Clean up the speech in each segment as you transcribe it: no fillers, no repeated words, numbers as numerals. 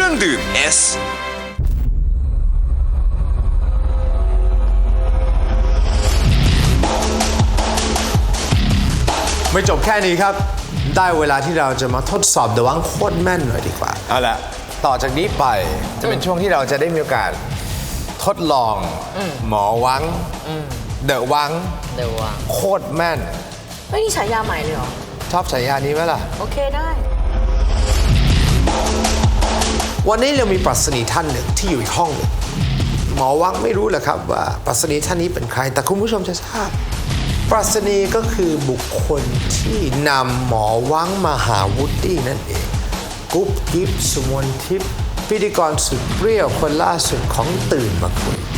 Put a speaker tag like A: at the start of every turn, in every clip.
A: รื่องดื่ม S
B: ไม่จบแค่นี้ครับได้เวลาที่เราจะมาทดสอบเดอะวังโคตรแม่นหน่อยดีกว่าเอาละต่อจากนี้ไปจะเป็นช่วงที่เราจะได้มีโอกาสทดลองหมอวังเดอะวังโคตรแม่น
C: ไม่นี่ฉายาใหม่เลยเหรอ
B: ชอบฉายานี้ไหมล่ะ
C: โอเคได้
B: วันนี้เรามีปรัชนีท่านหนึ่งที่อยู่อีกห้องหนึ่งหมอวังไม่รู้แหละครับว่าปรัชนีท่านนี้เป็นใครแต่คุณผู้ชมจะทราบปรัชนีก็คือบุคคลที่นำหมอวังมาหาวูดดี้นั่นเองกุ๊บกิ๊บสุมนทิพย์พิธีกรสุดเปรี้ยวคนล่าสุดของตื่นมาคุย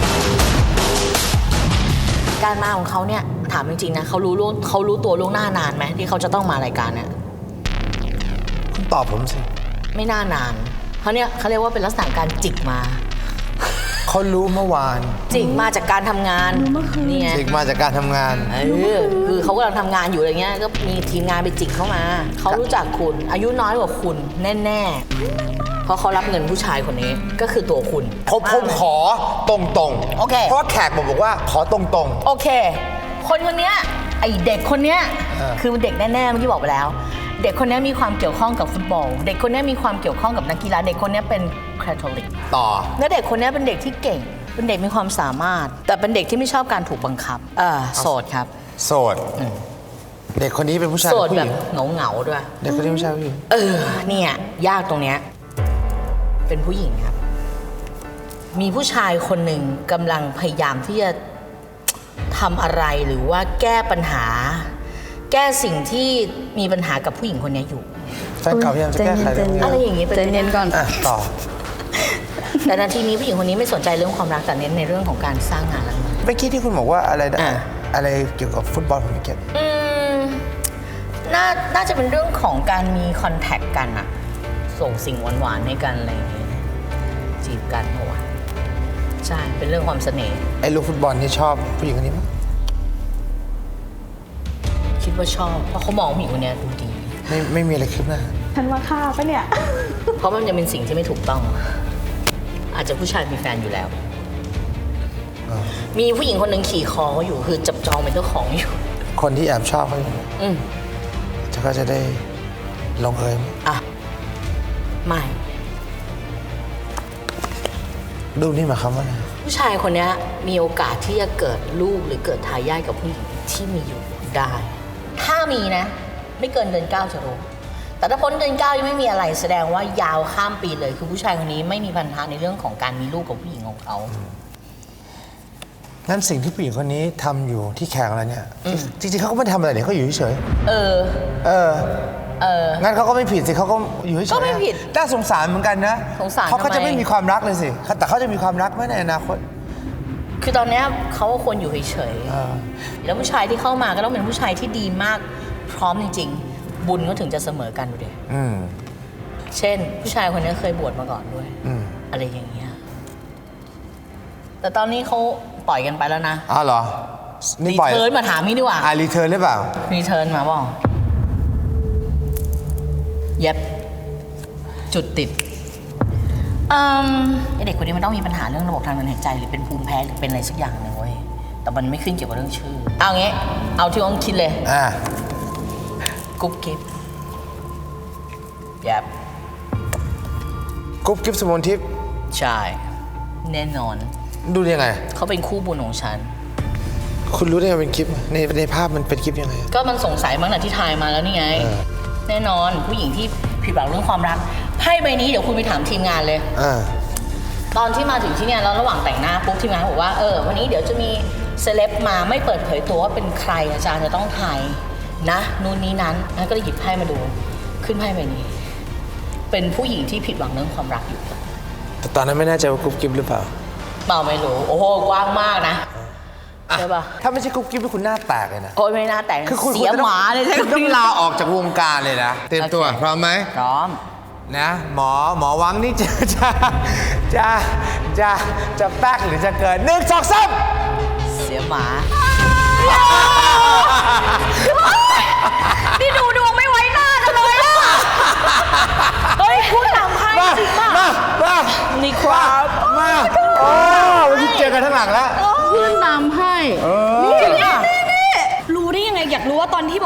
C: การมาของเขาเนี่ยถามจริงๆนะเขารู้ตัวล่วงหน้านานไหมที่เขาจะต้องมารายการเนี่ย
B: คุณตอบผมสิ
C: ไม่น่านานเขาเนี่ยเขาเรียกว่าเป็นลักษณะการจิกมา
B: เขารู้เมื่อวาน
C: จิกมาจากการทำงานนี่ไง
B: จิกมาจากการทำงาน
C: คือเขากำลังทำงานอยู่อะไรเงี้ยก็มีทีมงานไปจิกเข้ามาเขารู้จักคุณอายุน้อยกว่าคุณแน่ๆเพราะเขารับเงินผู้ชายคนนี้ก็คือตัวคุณ
B: ผมขอตรง
C: โอเค
B: เพราะแขกบอกว่าขอตรง
C: โอเคคนเนี้ยไอเด็กคนเนี้ยคือเด็กแน่ๆเมื่อกี้บอกไปแล้วเด็กคนนี้มีความเกี่ยวข้องกับฟุตบอลเด็กคนนี้มีความเกี่ยวข้องกับนักกีฬาเด็กคนนี้เป็นคาทอลิก
B: ต่อ
C: และเด็กคนนี้เป็นเด็กที่เก่งเป็นเด็กมีความสามารถแต่เป็นเด็กที่ไม่ชอบการถูกบังคับโสดครับ
B: โสดเด็กคนนี้เป็นผู้ชาย
C: โสดแบบเหงาด้วย
B: เด็กคนนี้ผู้ชายผู้หญิง
C: เนี่ยยากตรงเนี้ยเป็นผู้หญิงครับมีผู้ชายคนหนึ่งกำลังพยายามที่จะทำอะไรหรือว่าแก้ปัญหาแก้สิ่งที่มีปัญหากับผู้หญิงคนนี้อยู่
B: แฟนเก่าพยายามจะแก้ไข
C: อะไรอย่างนี้
D: ใจเย็นก่อน
B: ต่อ
C: แต่นาทีนี้ผู้หญิงคนนี้ไม่สนใจเรื่องความรักแต่เน้นในเรื่องของการสร้างงานแล้ว
B: เมื่อกี้ที่คุณบอกว่าอะไรเกี่ยวกับฟุตบอลผมไม่เก็ต
C: น่าจะเป็นเรื่องของการมีคอนแทคกันอะส่งสิ่งหวานๆให้กันอะไรอย่างนี้จีบกันเหรอวะใช่เป็นเรื่องความเสน่ห์
B: ไอ้ลูกฟุตบอลนี่ชอบผู้หญิงคนนี้มั้ย
C: คิดว่าชอบเพราะเขามองผู้หญิงคนนี้ดูดี
B: ไม่มีอะไรคืบหน้า
D: ฉันว่าฆ่าปะเนี่ย
C: เพราะมันจะเป็นสิ่งที่ไม่ถูกต้องอาจจะผู้ชายมีแฟนอยู่แล้วมีผู้หญิงคนหนึ่งขี่คอเขาอยู่คือจับจองเป็นเจ้าของอยู่
B: คนที่แอบชอบเขาอยู่ก็จะได้ลงเอย
C: ไม่
B: ดูนี่หมายความว่าไง
C: ผู้ชายคนนี้มีโอกาสที่จะเกิดลูกหรือเกิดทายาทกับผู้หญิงที่มีอยู่ได้ถ้ามีนะไม่เกินเดือน9จะรู้แต่ถ้าพ้นเดือน9ยังไม่มีอะไรแสดงว่ายาวข้ามปีเลยคือผู้ชายคนนี้ไม่มีปัญหาในเรื่องของการมีลูกกับผู้หญิงของเขา
B: งั้นสิ่งที่ผู้หญิงคนนี้ทำอยู่ที่แขกอะไรเนี่ยจริงๆเขาก็ไม่ทำอะไรเนี่ยเขาอยู่เฉยงั้นเขาก็ไม่ผิดสิเขาก็อยู่เฉย
C: ก็ไม่ผิด
B: น่าสงสารเหมือนกันนะ
C: สงสาร
B: เขาก็จะไม่มีความรักเลยสิแต่เขาจะมีความรักไหมในอนาคต
C: คือตอนนี้เขาควรอยู่เฉยๆแล้วผู้ชายที่เข้ามาก็ต้องเป็นผู้ชายที่ดีมากพร้อมจริงๆบุญก็ถึงจะเสมอกันดูดิเช่นผู้ชายคนนี้เคยบวชมาก่อนด้วยอะไรอย่างเงี้ยแต่ตอนนี้เขาปล่อยกันไปแล้วนะ
B: เหรอ
C: รีเทิร์นมาถามนี่ดีกว่า
B: รีเทิร์นหรือเปล่า
C: รีเทิร์นมาบอกเย็บจุดติดเด็กคนนี้มันต้องมีปัญหาเรื่องระบบทางเดินหายใจหรือเป็นภูมิแพ้หรือเป็นอะไรสักอย่างหนึ่งเว้ยแต่มันไม่ขึ้นเกี่ยวกับเรื่องชื่อเอางี้เอาที่อ้องคิดเลยกุ๊บกิ๊บเย็บ
B: กุ๊บกิ๊บสมนทิพย์
C: ใช่แน่นอน
B: ดูยังไง
C: เขาเป็นคู่บุญของฉัน
B: คุณรู้ได้ไงเป็นคลิปในภาพมันเป็นคลิปยังไง
C: ก็มันสงสัยมั้งนะที่ถ่ายมาแล้วนี่ไงแน่นอนผู้หญิงที่ผิดหวังเรื่องความรักไพ่ใบนี้เดี๋ยวคุณไปถามทีมงานเลยตอนที่มาถึงที่เนี่ยแล้วระหว่างแต่งหน้าปุ๊บทีมงานบอกว่าวันนี้เดี๋ยวจะมีเซเลบมาไม่เปิดเผยตัวว่าเป็นใครอาจารย์จะต้องทายนะนู่นนี้นั้นก็เลยหยิบไพ่มาดูขึ้นไพ่ใบนี้เป็นผู้หญิงที่ผิดหวังเรื่องความรักอยู่
B: แต่ตอนนั้นไม่แน่ใจว่ากุ๊บกิ๊บหรือเปล่า
C: ไม่รู้โอ้โหกว้างมากนะใช่ป่ะ
B: ถ้าไม่ใช่กุ๊บกิ๊บคุณหน้าแตกเลยนะ
C: โอ้ยไม่หน้าแตกคือเสียหมาเลยใช่ไหม
B: ต้องลาออกจากวงการเลยนะเตรียมตัวพร้อมไหม
C: พร้อม
B: นะหมอวังนี่จะแป๊กหรือจะเกิด1 2 3
C: เสียหมานี่ดูดวงไม่ไว้หน้ากันเลยอ่ะเฮ้ยพูดตามไพ่จริงป่ะ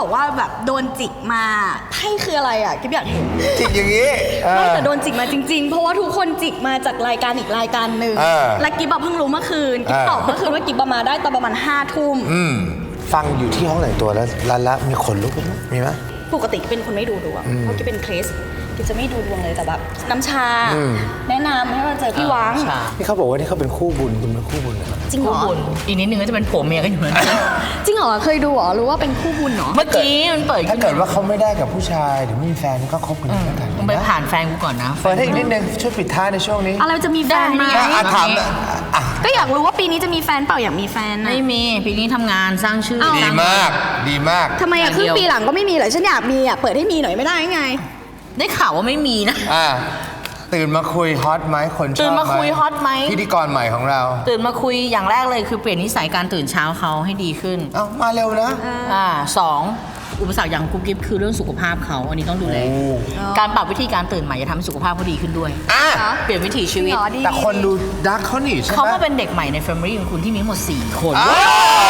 A: ว่าแบบโดนจิกมาไพ่คืออะไรอ่ะกิ๊บอยากเห็น
B: จิกอย่างนี้
A: ไม่แต่โดนจิกมาจริงๆ เพราะว่าทุกคนจิกมาจากรายการอีกรายการหนึ่งและกิ๊บเพิ่งรู้เมื่อคืนกิ๊บตอบเมื่อคืนว่ากิ๊บมาได้ตอนประมาณ5 ทุ่ม
B: ฟังอยู่ที่ห้องแต่งตัวแล้วละมีขนลุกไหมมีไหม
A: ปกติเป็นคนไม่ดูดวงเพราะกิ๊บเป็นคริสต์กิ๊บจะไม่ดูดวงเลยแต่แบบน้ำชา แนะนำให้มาเจอพี่วัง
B: นี่เขาบอกว่านี่เขาเป็นคู่บุญคุณเป็นคู่บุญเหรอ
A: จริงเหร
C: คู่
A: อ
C: บุญอีกนิดนึงก็จะเป็นผัวเมียกันอยู่แล้วนะ
A: จริงเหรอเคยดูเหรอรู้ว่าเป็นคู่บุญเหรอ
C: เมื่อกี้มันเปิด
B: ถ้าเกิดว่าเขาไม่ได้กับผู้ชายหรือไม่มีแฟนก็คบกันอยู่ด้วยกัน
C: มึงไปผ่านแฟนกูก่อนนะ
B: เปิดให้อีกนิดนึงช่วยปิดท้ายในช่วงนี้
A: อะไรจะมีแฟนไหม
C: ได้
B: ถามอ่ะ
A: ก็อยากรู้ว่าปีนี้จะมีแฟนเปล่าอยากมีแฟนนะ
C: ไม่มีปีนี้ทำงานสร้างชื่อ
A: เอ้า
B: ดีมากดีมาก
A: ทำไมอะครึ่งปีหลังก็ไม่มีเหรอฉันอยากมีอะเปิดให้มีหน่อยไม่ได้ไง
C: ได้ข่าวว่าไม่มีนะ
B: ตื่นมาคุยฮอตไหมคนชอบ
C: ตื่นมาคุยฮอตไหม
B: พิธีกรใหม่ของเรา
C: ตื่นมาคุยอย่างแรกเลยคือเปลี่ยนนิสัยการตื่นเช้าเขาให้ดีขึ้น
B: เอ้ามาเร็วนะ
C: สองอุปสรรคอย่างกุ๊บกิ๊บคือเรื่องสุขภาพเขาอันนี้ต้องดูแล
B: โอ้
C: การปรับวิธีการตื่นใหม่จะทำให้สุขภาพเขาดีขึ้นด้วย
B: อ่ะ
C: เปลี่ยนวิถีชีวิต
A: หรอดี
B: แต่คนดูดักเขาหนีใช่ไหม
C: เขามาเป็นเด็กใหม่ในแฟมิลี่ของคุณที่มีทั้งหมด4 คน
B: อ้าว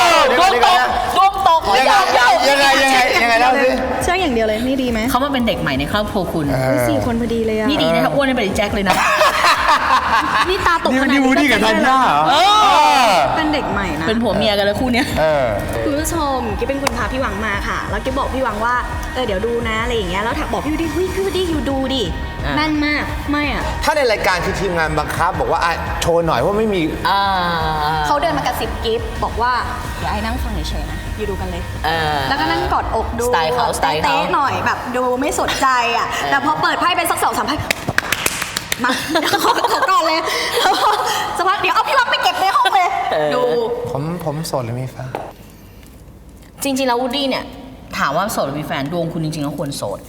C: ดวงตกดวงตก
B: ยังไงเล่าสิ
A: เชื่ออย่างเดียวเลยนี่ดีไหม
C: เขามาเป็นเด็กใหม่ในครอบครัวคุณ
A: 4 คนพอดีเลยอะ
C: นี่ดีนะถ้าอ้วนนี่เป็นแจ็คเลยนะ
A: นี่ตาตกขนาด
B: นี่วูดดี้กับธัญญาเหรอ
A: เป็นเด็กใหม่นะ
C: เป็นผัวเมียกันแล้วคู่เนี้ย
A: คุณผู้ชมกิ๊บเป็นคนพาพี่หวังมาค่ะ แล้วกิ๊บบอกพี่หวังว่าเดี๋ยวดูนะอะไรอย่างเงี้ยแล้วถักบอกพี่วูดดี้เฮ้ยพี่วูดดี้อยู่ดูดิแม่นมากไม่อะ
B: ถ้าในรายการคือทีมงานบังคับบอกว่าโชว์หน่อยว่าไม่มี
A: เขาเดินมากระซิบกิ๊บบอกว่าเดี๋ยวไอ้นั่งฟังเฉยๆนะอยู่ดูกันเลย แล้วก็นั่งกอดอกดู
C: สไตล์เขาสไตล์เขา
A: เต๊ะๆหน่อยแบบดูไม่สนใจอ่ะ แต่พอเปิดไพ่เป็นสัก2-3ไพ่มาขอก่อนเลยแล้วพอสักพักเดี๋ยวเอาพี่วังไปเก็บในห้องเลยดู
B: ผมโสดหรือมีแฟน
C: จริงๆแล้ววูดดี้เนี่ยถามว่าโสดหรือมีแฟนดวงคุณจริงๆแล้วควรโสด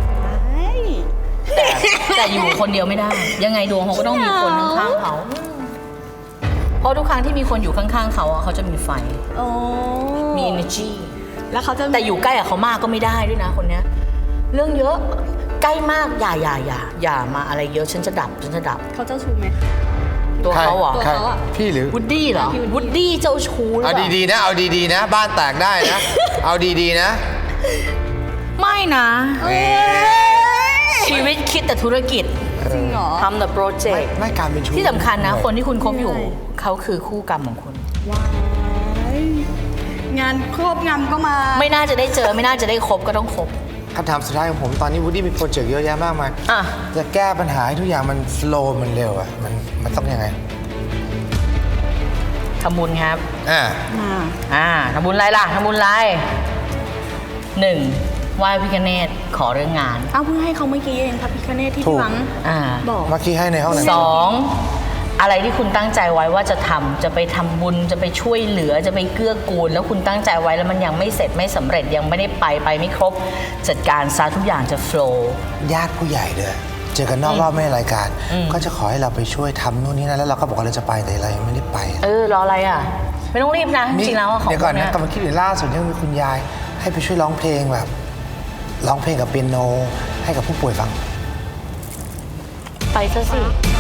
C: แต่อยู่คนเดียวไม่ได้ ยังไงดวงเขาก็ต้องมีคนข้างๆเขา เพราะทุกครั้งที่มีคนอยู่ข้างๆเขาอะเขาจะมีไฟ
A: โอ้
C: มี energy
A: แล้วเขาจะ
C: แต่อยู่ใกล้กับเขามากก็ไม่ได้ด้วยนะคนเนี้ย เรื่องเยอะใกล้มากอย่ามาอะไรเยอะฉันจะดับ
A: เขาเจ้าชู้ไหม
C: ตัวเขาเหรอ
A: ตัวเขาอะ
B: พี่หรือ
C: วูดดี้เหรอ
A: พี่
C: วูดดี้เจ้าชู้หรือ
B: เอา
C: เปล่า
B: ดีๆนะ เอาดีๆนะ บ้านแตกได้นะ เอาดีๆนะ
C: ไม่นะ ชีวิตคิดแต่ธุรกิจ
A: จริงเหรอ
C: ทำแต่โปรเจกต์
B: ไม่การเป็นชู้
C: ที่สำคัญนะ คนที่คุณคบอยู่ เขาคือคู่กรรมของคุณ
A: ว้ายงานครอบงำก็มา
C: ไม่น่าจะได้เจอไม่น่าจะได้คบก็ต้องคบ
B: คำถามสุดท้ายของผมตอนนี้วูดดี้มีโปรเจกต์เยอะแยะมากมาย
C: อ่ะ
B: จะแก้ปัญหาให้ทุกอย่างมันโฟลว์มันเร็วมันต้องยังไง
C: ทำบุญครับ
B: อ่า
C: ทำบุญอะไรล่ะทำบุญอะไรหนึ่งไหว้พิฆเนศขอเรื่องงาน
A: เอาเพิ่งให้เขาเมื่อกี้เองพระพิฆเนศที่
B: ถู
A: พี่
B: ก
A: หวัง
C: อ่า
A: บอก
B: เมื่อกี้ให้ในห้องไหน
C: สองอะไรที่คุณตั้งใจไว้ว่าจะทำจะไปทำบุญจะไปช่วยเหลือจะไปเกื้อกูล แล้วคุณตั้งใจไว้แล้วมันยังไม่เสร็จไม่สำเร็จยังไม่ได้ไปไม่ครบ จัดการซะทุกอย่างจะโฟลว์
B: ญาติผู้ใหญ่เลยเจอกันนอกรอบไม่ในรายการ ก็จะขอให้เราไปช่วยทำนู่นนี่นั่นแล้วเราก็บอกว่าเราจะไปแต่เรายังไม่ได้ไป
C: รออะไรอ่ะ ไม่ต้องรีบนะจริงๆแล้วอะของ
B: เดี๋ยวก่อน
C: พว
B: นะ
C: ย
B: กำลังคิดอยู่ล่าสุดยังมีคุณยาย ให้ไปช่วยร้องเพลงแบบร้องเพลงกับเปียโนให้กับผู้ป่วยฟัง
C: ไปซะสิ